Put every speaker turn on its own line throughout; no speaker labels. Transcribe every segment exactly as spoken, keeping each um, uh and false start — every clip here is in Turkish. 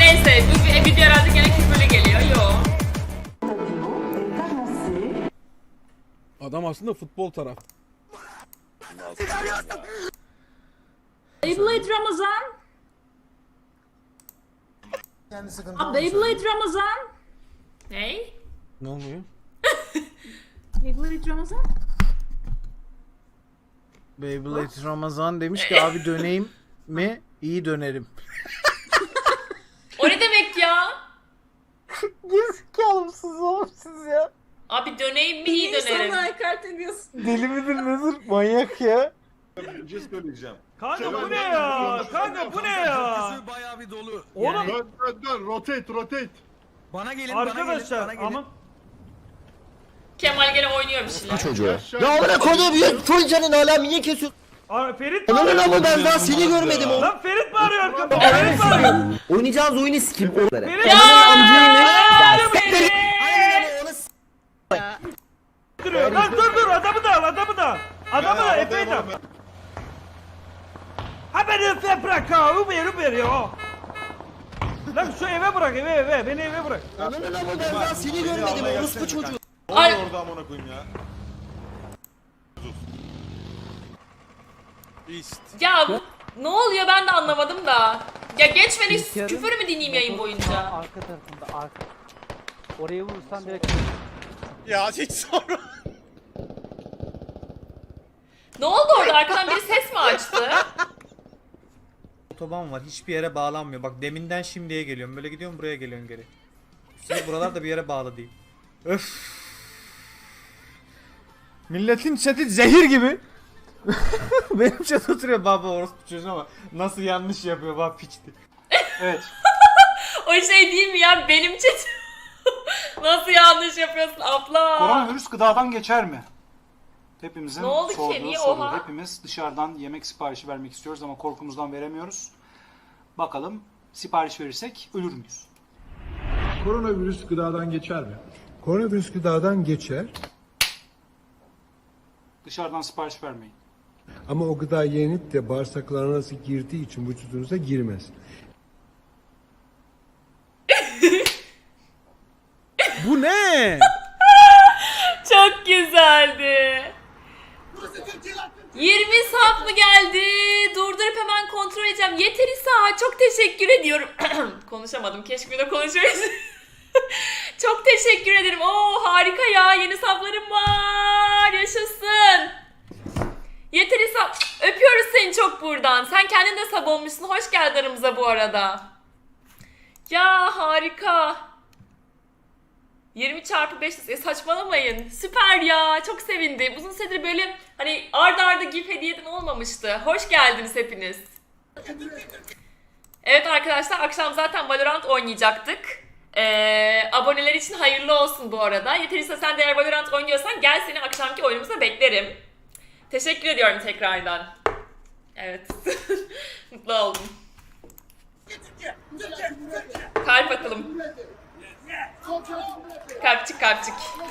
Neyse bu video herhalde gene küfürlü geliyor. Yo.
Adam aslında futbol taraf.
Beyblade Ramazan. Aa, Beyblade Ramazan.
Ney?
Ne oluyor?
Beyblade Ramazan.
Beyblade Ramazan demiş ki abi döneyim mi? İyi dönerim.
O ne demek ya?
Gerizekalı mısınız oğlum siz ya?
Abi döneyim mi iyi dönerim.
Sana hakaret ediyorsun.
Deli midir nedir? Manyak ya.
Bir şey söyleyeceğim.
Kanka bu ne ya? Kanka bu ne ya?
Bayağı bir dolu.
Oğlum
Dön dön dön rotate rotate.
Bana gelin bana gelin.
arkadaşlar
Bana gelin.
ama
Kemal gene oynuyor bir şeyler.
Çocuğa. Ya amına koyduğum bir Fulcan'ın hala niye kesiyorsun?
Aa, Ferit mi
Lan
arıyor?
ama ben daha seni görmedim oğlum.
Lan Ferit mi arıyor arkamda? Ferit mi arıyor?
Oynayacağınız oyunu sikim onları.
Ferit
Ananın amcaymış.
Aa, Ferit!
Aynen onu s***.
duruyor. Lan dur dur adamı da al adamı da al. Adamı da Efe'yi de al. Ha beni Efe bırak ha. Uber Uber ya. Lan şu eve bırak eve eve. Beni eve bırak.
Ananın ama ben daha seni görmedim orospu çocuğu.
Ay.
Orada amına koyayım ya. İst.
Ya bu- ne oluyor ben de anlamadım da. Ya geçmeni küfür mü dinleyeyim yayın boyunca?
Arka tarafında arka. Oraya vurursan direkt
Ya hiç sorma.
Ne oldu orada? Arkadan biri ses mi açtı?
Otoban var hiçbir yere bağlanmıyor. Bak deminden şimdiye geliyorum. Böyle gidiyorum buraya geliyorum geri. Üstelik buralar da bir yere bağlı değil. Öf. Milletin chat'i zehir gibi. Benim chat oturuyor baba orospu çocuğu ama nasıl yanlış yapıyor bak piçti.
Evet.
O şey değil mi ya? Benim chat. Nasıl yanlış yapıyorsun abla?
Koronavirüs gıdadan geçer mi? Hepimizin
Ne oldu ki?
sorduğu
Niye
soru.
oha?
Hepimiz dışarıdan yemek siparişi vermek istiyoruz ama korkumuzdan veremiyoruz. Bakalım sipariş verirsek ölür müyüz?
Koronavirüs gıdadan geçer mi? Koronavirüs gıdadan geçer
Dışarıdan sipariş vermeyin.
ama o gıda yenip de bağırsaklarınıza girdiği için vücudunuza girmez.
Bu ne?
Çok güzeldi. yirmi sap mı geldi? Durdurup hemen kontrol edeceğim. Yeteri sağ. Çok teşekkür ediyorum. Konuşamadım. Keşke bir de konuşabilseydim. Çok teşekkür ederim. Oo harika ya. Yeni saplarım var. Yaşasın. Yeteri sap. Öpüyoruz seni çok buradan. Sen kendin de sap olmuşsun. Hoş geldin aramıza bu arada. Ya harika. yirmi çarpı beş e, saçmalamayın. Süper ya. Çok sevindim. Uzun süredir böyle hani arda arda gif hediyeden olmamıştı. Hoş geldiniz hepiniz. Evet arkadaşlar akşam zaten Valorant oynayacaktık. Ee, aboneler için hayırlı olsun bu arada. Yeterliyse sen de eğer Valorant oynuyorsan gel seni akşamki oyunumuza beklerim. Teşekkür ediyorum tekrardan. Evet. Mutlu oldum. Kalp atalım. Kalpçik kalpçik.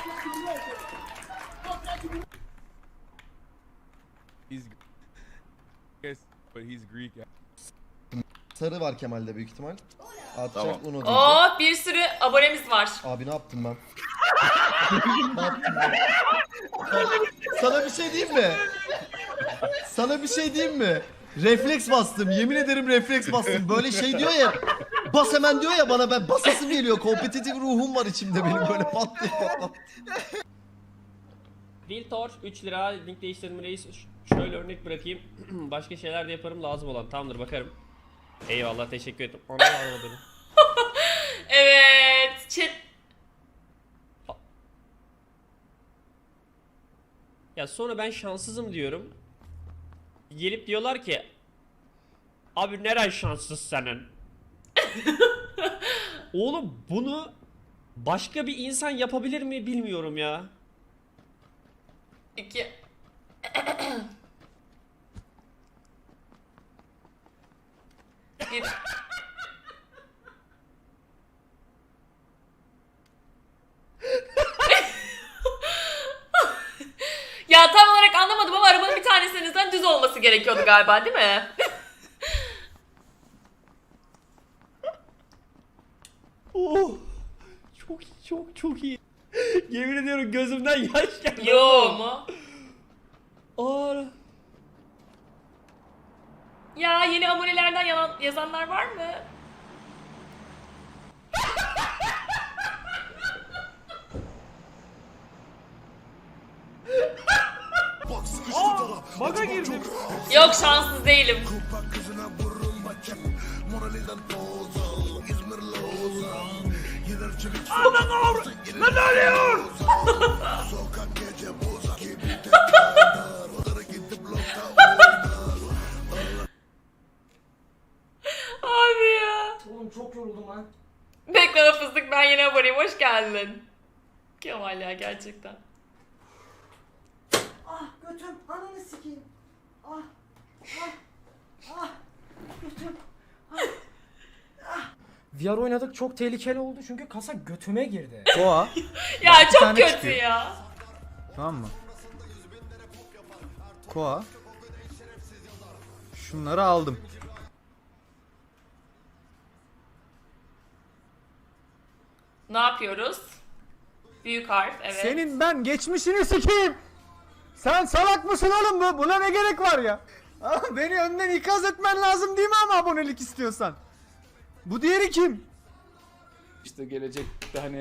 He's yes, but he's Greek.
Sarı var Kemal'de büyük ihtimal. Atacak
Tamam.
onu diyecek.
Oo bir sürü abonemiz var.
Abi ne yaptım ben? Ne yaptım ben? Sana bir şey diyeyim mi? Sana bir şey diyeyim mi? Refleks bastım. Yemin ederim refleks bastım. Böyle şey diyor ya. Bas hemen diyor ya bana, ben basasım geliyor. Kompetitif ruhum var içimde benim, böyle pat diye patlat.
Viltor üç lira link değiştirme reis. Ş- Şöyle örnek bırakayım. Başka şeyler de yaparım lazım olan. Tamamdır bakarım. Eyvallah teşekkür ederim. Ana arama beni.
Evet. Chat.
Ya sonra ben şanssızım diyorum. Gelip diyorlar ki abi neren şanssız senin? Oğlum bunu başka bir insan yapabilir mi bilmiyorum ya.
İki. Bir. Ya tam olarak anlamadım ama arabanın bir tanesinizden düz olması gerekiyordu galiba değil mi?
Oh. Çok iyi, çok çok iyi. Yemin ediyorum gözümden yaş geldi.
Yo mu?
Aa.
Ya yeni abonelerden yalan, yazanlar var mı?
Aa, baga girdim.
Yok şanssız değilim.
Ana ne olur? Ne oluyor?
Abi ya.
Oğlum çok yoruldum lan.
Bekle lan fıstık, ben yeni aboneyim, hoş geldin. Kemal ya gerçekten.
Ah götüm ananı sikeyim. Ah ah ah götüm. Ah, ah. V R oynadık çok tehlikeli oldu çünkü kasa götüme girdi.
Koa.
Ya
Bir
çok
tane
kötü
çıkıyor.
ya.
Tamam mı? Koa. Şunları aldım.
Ne yapıyoruz? Büyük harf, evet.
Senin ben geçmişini sikeyim. Sen salak mısın oğlum bu? Buna ne gerek var ya? Aa, beni önden ikaz etmen lazım değil mi ama abonelik istiyorsan? Bu diğeri kim?
İşte gelecekte hani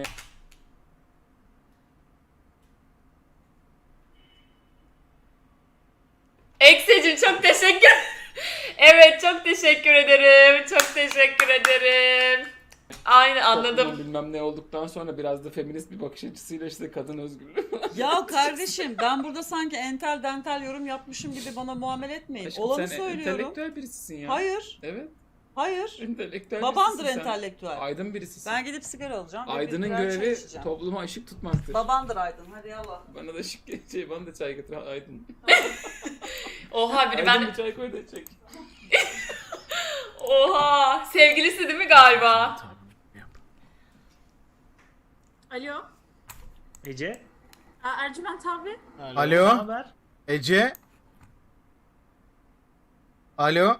Eksecim çok teşekkür. Evet çok teşekkür ederim. Çok teşekkür ederim. Aynı anladım.
bilmem ne olduktan sonra biraz da feminist bir bakış açısıyla işte kadın özgürlüğü.
Ya kardeşim ben burada sanki entel dental yorum yapmışım gibi bana muamele etmeyin. Olanı söylüyorum.
birisisin ya.
Hayır.
Evet.
Hayır.
Entelektüel
Babandır entelektüel.
Aydın birisisin.
Ben gidip sigara alacağım. ve bir
Aydın'ın
birer çay
görevi
içeceğim.
topluma ışık tutmaktır.
Babandır Aydın. Hadi yallah.
Bana da ışık geçeceği, bana da çay getir Aydın.
Oha biri
Aydın
ben...
bir çay koy da çek.
Oha sevgilisi değil mi galiba?
Alo.
Ece.
Aa, Ercüment abi.
Alo.
haber?
Ece. Alo.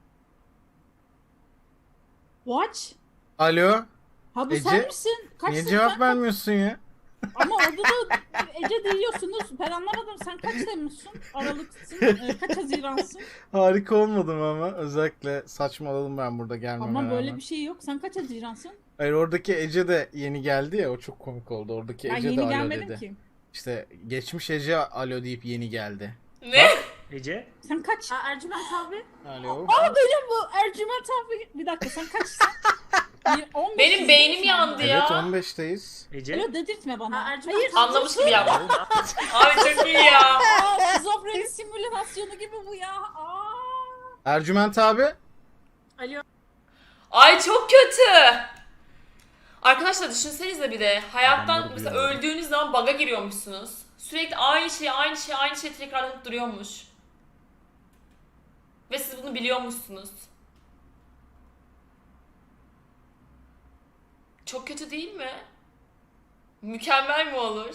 Watch.
Alo.
Ha bu
Ece,
sen misin? Kaç
Niye
sen-
cevap vermiyorsun ya?
Ama orada da Ece diyorsunuz. Ben anlamadım. Sen kaç Temmuz'sun? Aralık'sın. Ee, kaç Haziran'sın?
Harika olmadım ama özellikle saçmaladım ben burada gelmeme
Ama böyle
rağmen.
bir şey yok. Sen kaç Haziran'sın?
Hayır oradaki Ece de yeni geldi ya, o çok komik oldu. Oradaki
Ben
Ece de
yeni
alo
gelmedim
dedi.
ki.
İşte geçmiş Ece alo deyip yeni geldi.
Ne?
Ece.
Sen kaç? Aa, Ercüment abi.
Alo.
Aa benim bu Ercüment abi. Bir dakika sen kaçsın? on beş
Benim beynim yandı
Evet
ya.
on beşteyiz.
Ece.
Öyle dedirtme bana. Hayır.
Anlamış gibi yaptım. Abi çok iyi ya.
Aa, şizofreni simülasyonu gibi bu ya. Aa.
Ercüment abi.
Alo.
Ay çok kötü. Arkadaşlar düşünsenize bir de hayattan mesela öldüğünüz zaman bug'a giriyormuşsunuz. Sürekli aynı şey, aynı şey, aynı şey tekrarlanıp duruyormuş. Ve siz bunu biliyormuşsunuz. Çok kötü değil mi? Mükemmel mi olur?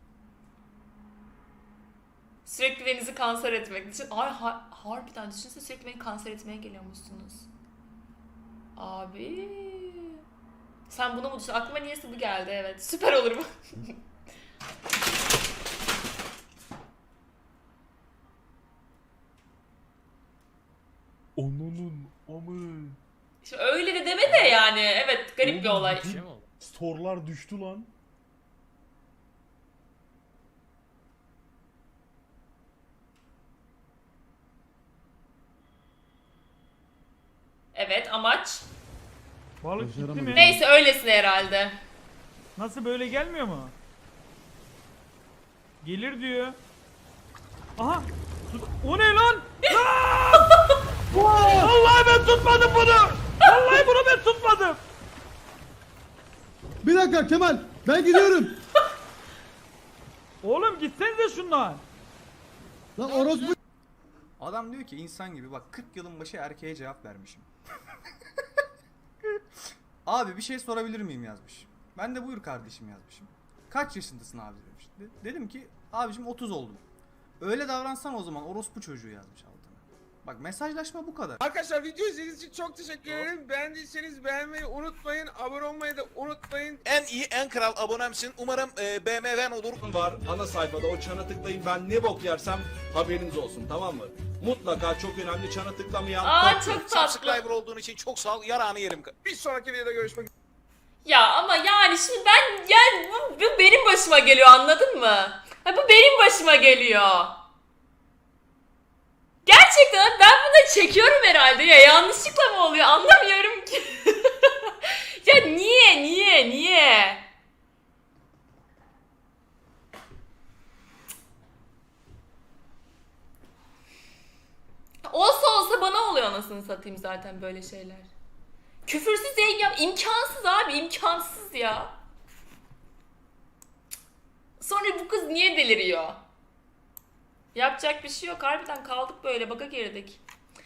Sürekli birinizi kanser etmek. Düşün, ay ha, harbiden düşünsene sürekli beni kanser etmeye geliyormuşsunuz. Abi. Sen bunu mu düşün? Aklıma niyeyse bu geldi, evet. Süper olur bu.
Onun amı.
İşte öyle de deme de yani. Evet, garip bir olay.
Store'lar düştü lan.
Evet, amaç.
Balık gitti mi?
Neyse öylesine herhalde.
Nasıl böyle gelmiyor mu? Gelir diyor. Aha! Tut- O ne lan? Lan! Vallahi ben tutmadım bunu! Vallahi bunu ben tutmadım!
Bir dakika Kemal, ben gidiyorum.
Oğlum gitsenize şundan.
Lan orospu.
Adam diyor ki insan gibi bak kırk yılın başı erkeğe cevap vermişim. Abi bir şey sorabilir miyim yazmış. Ben de buyur kardeşim yazmışım. Kaç yaşındasın abi demiş. De- dedim ki abicim otuz oldum. Öyle davransan o zaman orospu çocuğu yazmış altına.
Bak mesajlaşma bu kadar.
Arkadaşlar video izlediğiniz için çok teşekkür ederim. Beğendiyseniz beğenmeyi unutmayın. Abone olmayı da unutmayın.
En iyi en kral abonemsin. Umarım e, B M W'n olur.
var ana sayfada o çana tıklayın. Ben ne bok yersem haberiniz olsun, tamam mı? Mutlaka çok önemli, çana tıklamayan.
Aa
top-
çok tatlı.
Subscriber olduğun için çok sağ ol. Yarağını yerim.
Bir sonraki videoda görüşmek üzere.
Ya ama yani şimdi ben yani bu, bu benim başıma geliyor, anladın mı? Ha, bu benim başıma geliyor. Gerçekten ben bunu çekiyorum herhalde ya, yanlışlıkla mı oluyor anlamıyorum ki. Ya niye niye niye? Olsa olsa bana oluyor anasını satayım zaten böyle şeyler. Küfürsüz yayın yap. İmkansız abi, imkansız ya. Sonra bu kız niye deliriyor? Yapacak bir şey yok. Harbiden kaldık böyle. Baka girdik.